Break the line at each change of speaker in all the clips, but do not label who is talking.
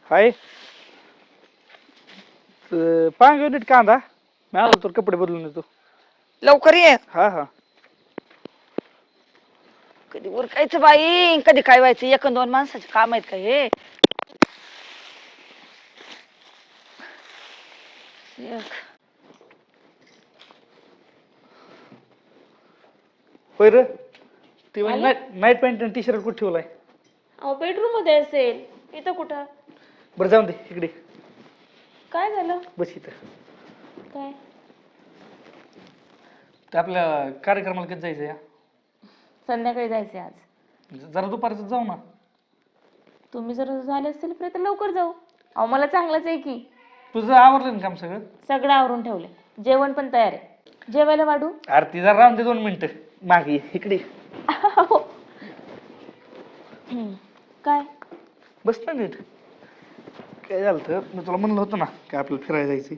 हाय. 5 unit कांदा. मी आलो तर कपडे बदलून येतो.
लवकर ये.
हा हा.
कधी उरकायचं बाई, कधी काय व्हायचं. एक दोन माणसाचे काम आहेत का हे.
होय रे. ती
आले?
नाईट पॅन्ट आणि टी शर्ट कुठे ठेवलाय?
अहो बेडरूम मध्ये असेल. इथं कुठं?
बरं जाऊन दे इकडे.
काय झालं?
बस इथं.
काय?
ते आपल्या कार्यक्रमाला कधी जायचं या?
संध्याकाळी जायचंय आज.
जरा दुपारचं जाऊ ना.
तुम्ही जर झाले असतील फ्री तर लवकर जाऊ. अहो मला चांगलंच आहे की.
तुझं आवरलं ना काम सगळं?
सगळं आवरून ठेवले. जेवण पण तयार आहे. जेवायला वाढू?
अरे ती जरा राहून दे 2 मिनिटं. मागे ये, इकडे.
काय?
बस ना नीट. काय झालं तर मी तुला म्हणलं होतं ना की आपल्याला फिरायला जायचं.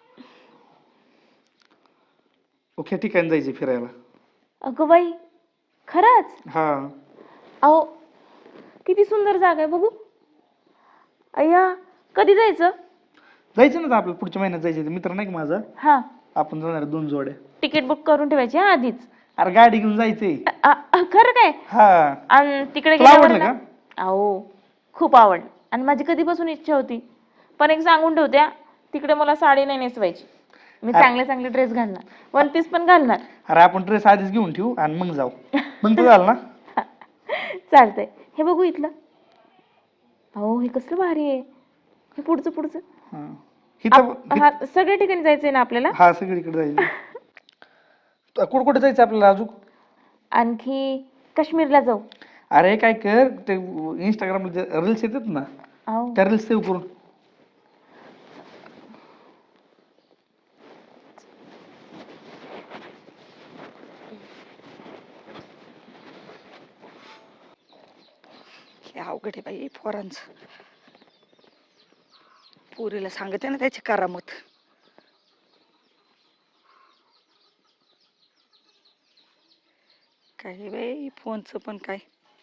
ओके ठिकाणी जायचं फिरायला.
अगं बाई खरंच?
हा.
अहो किती सुंदर जागा आहे बघू. अय्या कधी जायचं?
जायचं ना आपल्याला पुढच्या महिन्यात जायचं. मित्र नाही का माझा,
हा
आपण जाणार 2 जोड्या.
तिकीट बुक करून ठेवायची हा आधीच.
अरे गाडी घेऊन जायचंय.
खरं काय?
हा.
आणि तिकडे
तुला
गेल्यावर
आवडलं
ना-
का?
अहो खूप आवडलं. आणि माझी कधीपासून इच्छा होती. पण एक सांगून ठेवत्या, तिकडे मला साडी नाही नेसवायची. मी चांगले चांगले ड्रेस घालणार. 1 पीस पण घालणार.
अरे आपण ड्रेस आधीच घेऊन ठेवू आणि मग जाऊ. मग तर झालं ना.
चालतंय. हे बघू इथलं. अहो हे कसलं भारी आहे. हे पुढचं पुढचं.
हा. इथं
हा सगळ्या ठिकाणी जायचंय ना आपल्याला?
हा सगळीकडे जायचं. कुठं कुठे जायचं आपल्याला अजून?
आणखी काश्मीरला जाऊ.
अरे काय कर, ते इंस्टाग्रामला रील्स येतात ना,
अहो
त्या रील्स सेव्ह करून.
हे अवघड आहे बाई पोरांचं. पुरीला सांगते ना त्याची करामत. काय बाई फोनचं पण काय.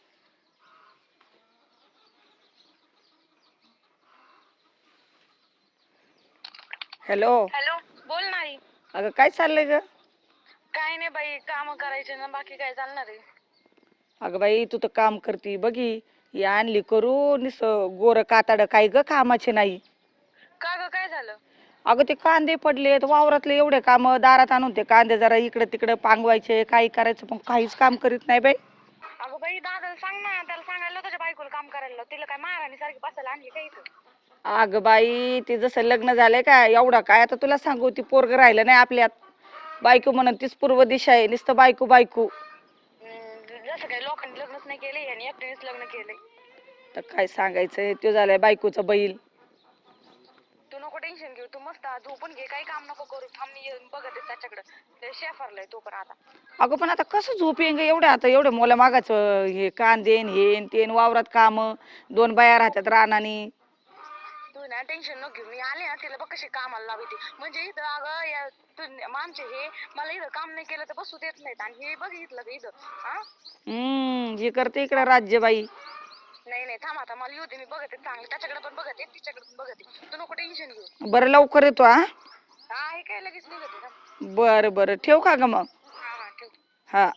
हॅलो.
हॅलो बोल नाही.
अगं काय चाललंय ग?
काय नाही बाई, काम करायचे ना, बाकी काय चालणार आहे.
अगं बाई तू तर काम करती बघी. ही आणली करू निस गोर काताड काय ग कामाचे नाही.
का ग काय झालं?
अगं ते कांदे पडलेत वावरातले एवढे काम, दारात आणून ते कांदे जरा इकडे तिकडे पांगवायचे, काही करायचं पण काहीच काम करीत नाही बाई.
अगं बाई दादाला सांग ना, त्याला सांगायला तुझ्या बायकोला काम करायला लाव. तिला काय महाराणी सारखी बसायला आणली काय इथं?
अगं बाई ते जसं लग्न झालंय का एवढा काय आता तुला सांगू, ती पोरग राहिलं नाही आपल्यात. बायको म्हणून तीच पूर्व दिशा आहे, नुसतं बायको बायको.
जसं काही लोकांनी लग्नच नाही केले आणि एकटीनेच लग्न केलंय.
तर काय सांगायचंय, तो झालाय बायकोचा बैल.
तू नको टेन्शन घेऊ, तू मस्त झोपून घे, काही काम नको करू. थांब मी येऊन बघत आहे त्याच्याकडे. ते शेफारलाय तो पण आता.
अगं पण आता कसं झोप येईन ग एवढ्या, आता एवढ्या मोला मागाचं हे कांदेन हेन तेन वावरात काम, 2 बाया राहतात रानानी.
तू ना टेन्शन नको घेऊ, मी आले ना तिला बघ कशी कामाला लावते. म्हणजे इथं अगं या आमचे हे मला इथं काम नाही केलं तर बसू देत नाहीत. आणि हे बघितलं का इथं हा.
हे करते इकडं राज्यबाई.
नाही नाही थांब आता, मला येऊ दे, मी बघते चांगलं. त्याच्याकडे पण बघते, तिच्याकडे पण बघते. तू नको टेन्शन घेऊ.
बरं लवकर येतो हा.
हा हे काय लगेच निघते ना.
बरं बरं ठेव का ग मग.
हा हा ठेव.
हा.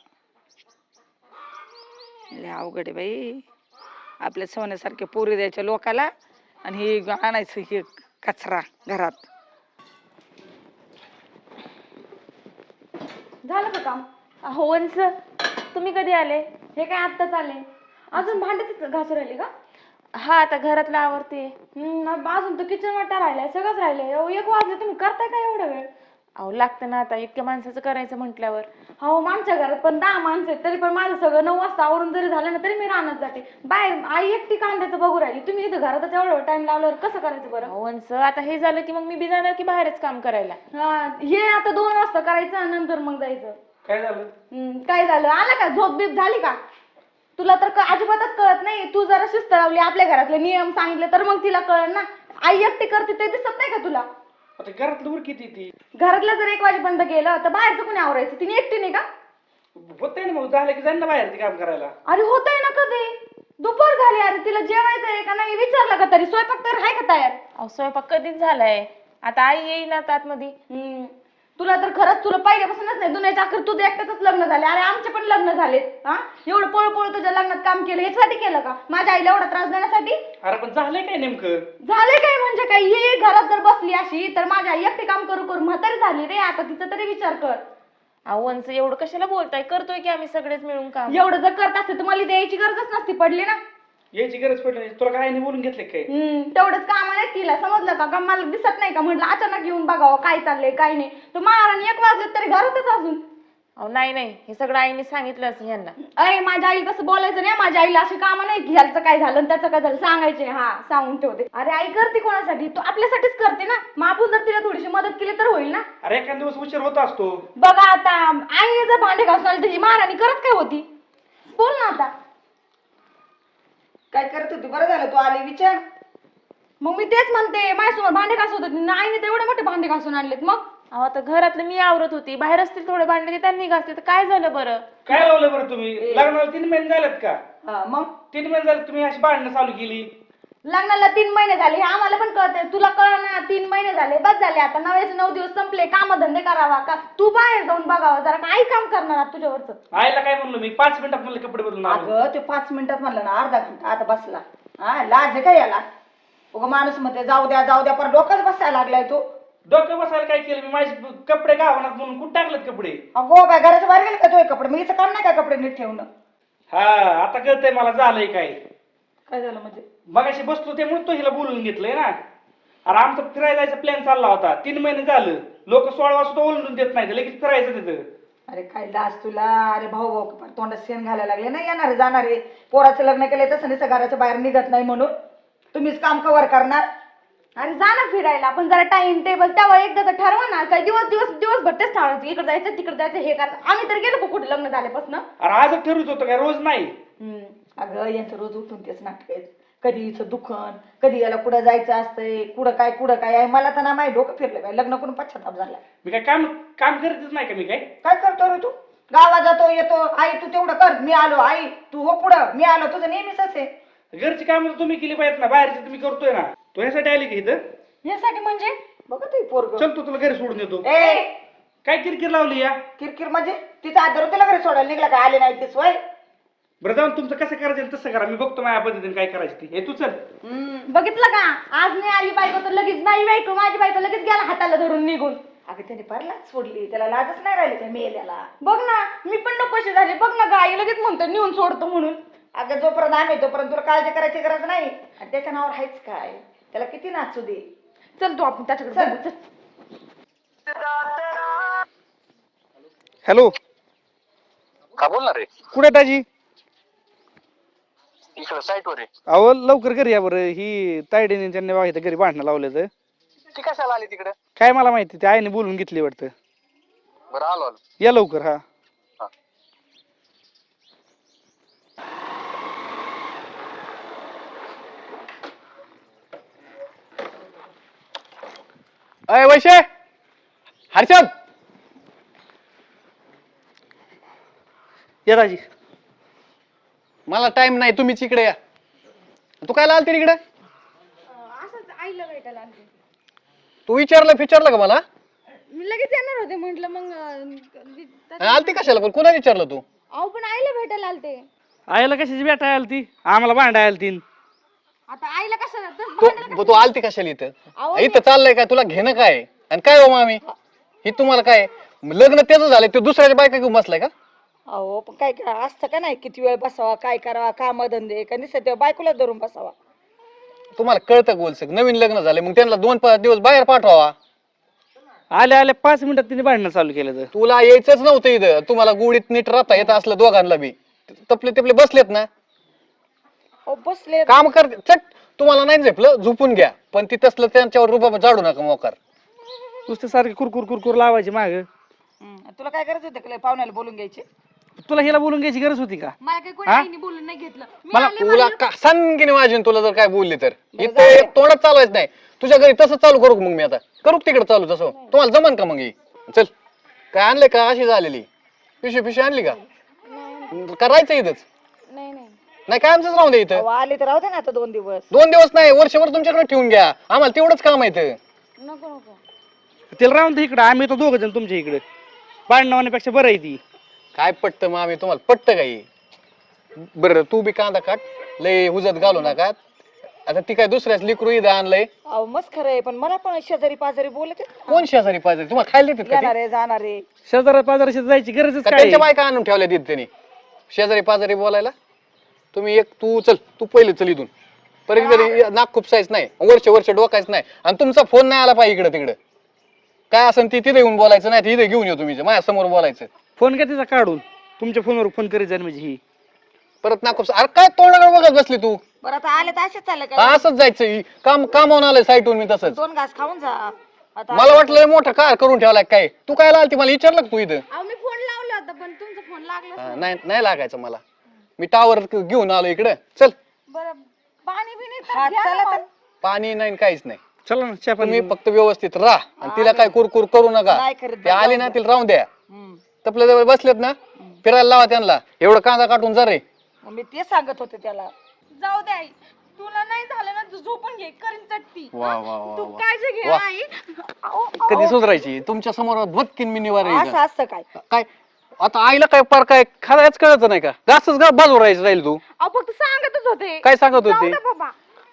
लय अवघड आहे बाई, आपल्या सोन्यासारखे पोरी द्यायच्या लोकाला आणि हे आणायचं हे कचरा घरात.
झालं का काम? अहो वंस तुम्ही कधी आले? हे काय आत्ताच आले? अजून भांड्याच घासू राहिले का? हा आता घरातलं आवरते. अजून तर किचन वाटा राहिलाय, सगळंच राहिलंय. 1 वाजले, तुम्ही करताय का एवढा वेळ? अहो लागतं ना आता, इतक्या माणसाचं करायचं म्हटल्यावर. हो आमच्या घरात पण 10 माणसं आहेत, तरी पण माझं सगळं 9 वाजता आवरून जरी झालं ना तरी मी रानात जाते. बाहेर आई एकटी कांद्याचं बघू राहिली. तुम्ही इथं घरातच एवढा टाइम लावल्यावर कसं करायचं बरं? वंस आता हे झालं की मग मी बी जाणार की बाहेरच काम करायला. हा हे आता 2 वाजता करायचं आणि नंतर मग जायचं.
काय झालं?
काय झालं? आलं का? झोप बीप झाली का? तुला तर अजिबातच कळत नाही. तू जरा शिस्त लावली, आपल्या घरातले नियम सांगितले तर मग तिला कळेल ना. आई एकटी करते ते दिसत नाही का तुला?
आता घरातलं वर किती ती?
घरातलं जर 1 वाजेपर्यंत गेलं तर बाहेरचं कोणी आवरायचं? तिने एकटी नाही का?
होतंय ना, मग झालं की जाईन ना बाहेर ते काम करायला.
अरे होतंय ना कधी? दुपार झाली अरे, तिला जेवायचं आहे का नाही विचारलं का तरी? स्वयंपाक तर आहे का तयार?
अहो स्वयंपाक कधीच झालाय, आता आई येईल आता आतमध्ये.
तुला तर खरंच तुला पहिल्यापासूनच नाही दुनियाच्या अखेर तुझं एकट्याच लग्न झाले. अरे आमचे पण लग्न झालेत. हा एवढं पळ तुझ्या लग्नात काम केलं यासाठी केलं का? माझ्या आईला एवढा त्रास देण्यासाठी?
अरे पण झालंय काय नेमकं?
झाले काय म्हणजे काय? ही घरात जर बसली अशी तर माझी आई एकटी काम करू करू म्हातारी झाली रे. आता तिचा तरी विचार कर.
अहो वंच एवढं कशाला बोलताय, करतोय की आम्ही सगळेच मिळून काम.
एवढं जर करत असते तर मला द्यायची गरजच नसती पडली ना.
यायची गरज पडली नाही. तुला काय नाही बोलून घेतलं काय?
तेवढंच काम नाही तिला समजलं का? मला दिसत नाही का म्हटलं अचानक येऊन बघावं काय चाललंय काय नाही. तर महाराणी 1 वाजले तरी घरातच अजून.
अहो नाही हे सगळं आईने सांगितलं असं यांना.
अरे माझ्या आई तसं बोलायचं नाही. माझ्या आईला अशी कामं नाही की ह्याचं काय झालं त्याचं काय झालं सांगायचे. हा सांगून ठेवते. अरे आई करते कोणासाठी? तू आपल्यासाठीच करते ना. मग आपण जर तिला थोडीशी मदत केली तर होईल ना.
अरे एखाद दिवस उशीर होत असतो.
बघा आता आईने जर भांडे घासून आली तर महाराणी करत काय होती? बोल ना आता.
काय करत होती? बरं झालं तू आली, विचार.
मग मी तेच म्हणते माझ्यासमोर भांडे घासत होती ना. आईने तर एवढे मोठे भांडे घासून आणलेत. मग
अहो आता घरातलं मी आवरत होती, बाहेर असतील थोडे भांडे ते त्यांनी घासते, तर काय झालं बरं?
काय लावलं बरं तुम्ही? लग्नाला 3 महिने झालेत का?
मग
3 महिने झाले तुम्ही अशी भांडणं चालू केली.
लग्नाला 3 महिने झाले हे आम्हाला पण कळतंय. तुला कळ ना? 3 महिने झाले बस झाले. आता 9 दिवस संपले. कामधंदे करावा का? तू बाहेर जाऊन बघावा जरा. काय काम करणार आहात तुझ्यावरच?
आईला काय म्हणलो मी? 5 मिनिटात मला कपडे बदलून आलो.
अगं ते 5 मिनिटात म्हणलं ना, अर्धा घंटा आता बसला. हा लाज आहे का याला? उगा माणूस म्हणते जाऊ द्या पर डोकंच बसायला लागलाय तो.
डोकं बसायला काय केलं मी? माझे कपडे गावनात म्हणून कुठं टाकलेत कपडे?
अगो काय घराच्या बाहेर गेले का तो कपडे? मी हिचं काम नाही का कपडे नीट ठेवणं?
हा आता कळतंय मला झालंय काय.
काय झालं म्हणजे?
मगाशी बसलो त्यामुळे तो हिला बोलून घेतलंय ना. अरे आमचा फिरायला जायचा प्लॅन चालला होता. 3 महिने झालं. लोक 16 वाजता ओलून देत नाही, लगेच फिरायचं तिथं.
अरे काय लाज तुला? अरे भाऊ तोंडात शेण घालायला लागले ना. येणारे जाणारे पोराचं लग्न केलंय तसं नाही घराच्या बाहेर निघत नाही म्हणून तुम्हीच काम कव्हर करणार.
आणि जा ना फिरायला. आपण जरा टाइम टेबल तेव्हा एकदा तर ठरवा ना. काय दिवसभर तेच ठरवायचं. इकडे जायचं तिकडे जायचं हे करायचं. आम्ही तर गेलो कुठे लग्न झाल्यापासून.
अरे आजच ठरवत होतं काय? रोज नाही.
अगं यांचं रोज उठून तेच नाटक आहेत. कधी हिचं दुखन, कधी याला कुठं जायचं असतंय, कुठं काय आहे. मला तर ना माहिती डोकं फिरलं बाई. लग्न करून पश्चाताप झाला.
मी काय काम करतच नाही का? मी
काय करतो रे तू? गावात जातो येतो. आई तू तेवढं कर. मी आलो. आई तू हो पुढं. मी आलो. तुझं नेहमीच आहे.
घरची काम तुम्ही केली पाहिजेत ना. बाहेरची तुम्ही करतोय ना. तो ह्यासाठी आली की इथं?
यासाठी म्हणजे
बघा तू पोरग.
चल तू तुला घरी सोडून येतो.
ए
काय किरकिर लावली या?
किरकिर म्हणजे तिचा आदर तिला घरी सोडायला निघला का? आले नाही ते सोय.
बरं जाऊन तुमचं कसं करायचं तसं करा. मी बघतो माझ्या पद्धतीने काय करायचं ती. हे तू चल.
बघितलं का? आज नाही आली बायको तर लगेच नाही बायको माझी बायको लगेच गेला हाताला धरून निघून.
अगं त्याने फार लाज सोडली. त्याला लाजच नाही राहिली त्या मेल्याला.
बघ ना मी पण नकोशी झाले. बघ ना गाई लगेच म्हणतो नेऊन सोडतो म्हणून.
अगं जोपर्यंत आम्ही तोपर्यंत तुला काळजी करायची गरज नाही. आणि त्याच्या नावावर आहेच काय? त्याला किती नाचू दे.
चल तू आपण त्याच्याकडे बघू, चल.
हॅलो,
का बोलणार रे?
कुठे ताजी?
इकडं साईट वर आहे.
अहो लवकर घरी या बरं. ही तायडीने त्यांनी बघा घरी भांडणं लावले तर.
ती कशाला आली तिकडे?
काय मला माहिती, त्या आईने बोलून घेतली वाटतं.
बरं आलो.
या लवकर. हा
अय वैशे, हर्षद,
या दाजी.
मला टाइम नाही, तुम्हीच इकडे या. तू काय आलती इकडे?
असंच आईला भेटायला आले.
तू विचारलं का मला?
मी लगेच येणार होते म्हटलं मग
आलती कशाला? पण कोणा विचारलं तू?
अहो पण आईला भेटायला आलते.
आईला कशाची भेटायला आली ती? आम्हाला भांडायला आली ती.
आता आईला कशाला
तू आलती कशाला इथं? इथं चाललंय काय? तुला घेणं काय? आणि काय हो मामी, ही तुम्हाला काय लग्न त्याचं झालंय? तो दुसऱ्याच्या बायका घेऊन बसलाय का?
अहो पण काय असतं का नाही? किती वेळ बसावा, काय करावा, काम धंदे का निसत बायकोला धरून बसावा.
तुम्हाला कळतं गोलसक? नवीन लग्न झाले मग त्यांना 2-5 दिवस बाहेर पाठवावा.
आल्या 5 मिनिटात तिने भांडणं चालू केलं. तर
तुला यायचंच नव्हतं इथं. तुम्हाला गुडीत नीट राहता येत असलं दोघांना बी. तपले बसलेत ना,
बसले
काम करते. चट, तुम्हाला नाही झेपलं झोपून घ्या, पण ती तसलं त्यांच्यावर रुपा जाडू नका मोकार.
नुसतं सारखी कुरकुर लावायची माग.
तुला काय करायचं होतं का पाहुण्याला बोलून घ्यायचे?
तुला हिला बोलून घ्यायची गरज होती का?
मला काही कोणी आईने बोलून नाही घेतलं.
मला तुला सांगीने वाजून तुला जर काय बोलली तर इथे तोंडात चालवायचं नाही. तुझ्या घरी तसं चालू करू मग मी आता करू तिकडे चालू तसं. तुम्हाला जमन का मग? चल, काय आणलंय का? अशी झालेली पिशवी आणली का? करायचं इथंच?
नाही
नाही काय आमचंच राहून दे इथं.
अहो, आले तर राहू दे ना आता 2 दिवस.
2 दिवस नाही, वर्षभर तुमच्याकडे ठेवून घ्या, आम्हाला तेवढंच काम आहे इथं.
नको नको.
तिला राहून दे इकडं, आम्ही तो 2 जण तुमच्या इकडे. भांडण होण्यापेक्षा बरं आहे ती.
काय पटतं मग आम्ही तुम्हाला पटतं काही? बरं तू बी कांदा काट, लय हुजत घालू नका. आता ती काय दुसऱ्याच लिकरू इथं आणलंय.
अहो मस्त खरं आहे, पण मला पण शेजारी पाजारी बोलत आहेत ना.
कोण शेजारी पाहिजे तुम्हाला खायला देतात का ते?
येणार आहे जाणार आहे.
शेजारा पाजाराशी जायची गरजच
का
काय
त्यांच्या
आहे?
बायका आणून ठेवल्या तिथे त्यांनी शेजारी पाजारी बोलायला? तुम्ही तू पहिले चल इथून. परत जरी नाक खुपसायच नाही, वर्ष डोकायच नाही, आणि तुमचा फोन नाही आला पाहिजे इकडे तिकडे. काय असेल ती तिथे येऊन बोलायचं, नाही तिथे घेऊन येऊ तुम्ही माझ्या समोर बोलायचं.
फोन का तिचा काढून तुमच्या फोनवर फोन करीत जाईल म्हणजे ही.
परत नाक खुपसा. अरे काय तोंडाकडे बघत बसली तू?
बरं आता आले तर असेच चाललं काय?
असंच जायचं, कामावून आलंय साईटून मी तसंच.
2 घास खाऊन जा आता.
मला वाटलं मोठा कार करून ठेवलाय काय. तू काय आलती मला विचारलं का तू इथं?
अहो मी फोन लावला होता पण तुमचा फोन लागला.
नाही लागायचं मला. मी टावर घेऊन आलो इकडे. चल.
बरं पाणी बिणी
हा, चला तर.
पाणी नाही काहीच नाही.
चला ना चहा
तुम्ही
पाणी.
फक्त व्यवस्थित राहा आणि तिला काय कुरकुर करू नका.
नाही करत
ते आली ना तिला राहून द्या.
हम्म.
तपल्या जवळ बसलेत ना, फिरायला लावा त्यांना. एवढं कांदा काटून जा रे.
मग मी ते सांगत होते त्याला.
जाऊ दे आई. तुला नाही झालं ना तू झोपून घे करीन चटती.
वा वा वा
तू
वा.
काळजी घे
वा.
आई.
कधी सुधारायची तुमच्या समोर भटकीन मी निवार
असं असतं काय?
काय आता आईला काय पार काय खायच कळत नाही का? घासच गा बाजू राहायचं राहील तू.
अहो फक्त सांगतच होते.
काय सांगत
जाऊ
होते?
दे बाबा.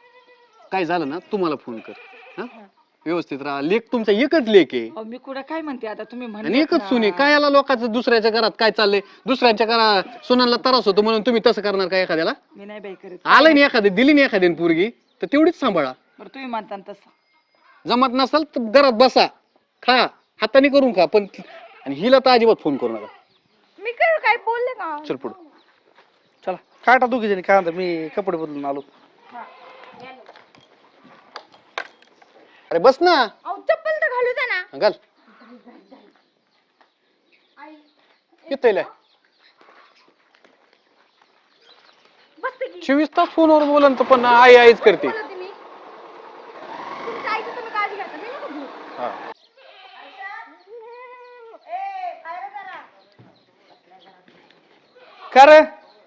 काय झालं ना तुम्हाला फोन कर. हा? व्यवस्थित राहा. लेख तुमचा एकच लेख आहे
अहो, मी कुठं काय म्हणते आता तुम्ही
आणि
म्हणले
एकच सुने. काय याला लोकांचं दुसऱ्याच्या घरात काय चाललंय? दुसऱ्यांच्या घरात सुनांना त्रास होतो म्हणून तुम्ही तसं करणार का एखाद्याला?
मी नाही बाई करत.
आलं नाही एखादी, दिली नाही एखाद्याने पोरगी तर तेवढीच सांभाळा.
बरं तुम्ही म्हणता ना तसं.
जमत नसेल तर घरात बसा, खा, हाताने करून खा, पण आणि हिला तर अजिबात फोन करू नका.
मी कर काय बोलले का?
चल पुढं.
चला काटा 2 जणी कांदा, मी कपडे बदलून आलो.
अरे बस ना.
अहो चप्पल तर घालू दे ना.
घाल. येतोय.
बसते की.
24 तास फोनवर बोलन तर पण आई आईच करते.
बोलते मी. तुमच्या आईची तुम्ही काळजी घ्या. मी नको घेऊ.
हा.
का रे?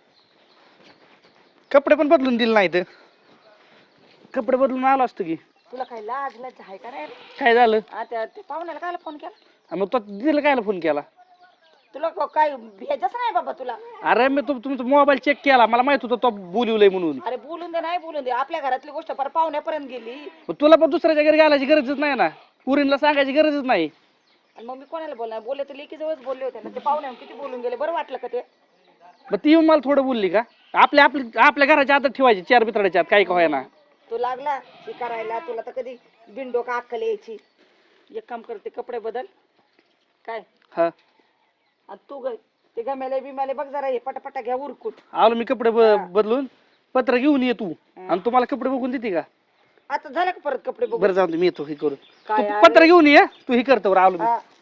कपडे पण बदलून दिले नाहीत. कपडे बदलून आलो असतो की.
तुला काय लाज लाज आहे का रे?
काय झालं?
आता ते पाहुण्याला काय फोन केला?
मग तो दिलं कायला फोन केला?
तुला काय भेजच नाही बाबा तुला?
अरे मी तुमचा मोबाईल चेक केला, मला माहित होतं तो बोलवलंय म्हणून.
अरे बोलून दे नाही बोलून दे, आपल्या घरातली गोष्ट पर पाहुण्यापर्यंत गेली.
मग तुला पण दुसऱ्याच्या घरी घालायची गरजच नाही ना, पुरीला सांगायची गरजच नाही.
आणि मग मी कोणाला बोलणार? बोलले तर लेकी जवळच बोलले होते ना. ते पाहुण्या किती बोलून गेले, बरं वाटलं का ते?
मग ती येऊन मला थोडं बोलली का? आपल्या घराच्या आत ठेवायची 4 बितडाच्या आत, काही का ना.
तू लागला हे करायला, तुला तर कधी बिंडो का अक्कल यायची. एक काम करते, कपडे बदल काय.
हा
आणि तू ते गमेले बिमेले बघ जरा, हे पटापटा घ्या उरकून.
आलो मी कपडे बदलून. पत्र घेऊन ये तू, आणि तुम्हाला कपडे बघून देते का?
आता झालं का परत कपडे बघ?
बरं जाऊन मी येतो हे करून.
काय
तू पत्र घेऊन ये, तू हे करतो आलो मी.
हा.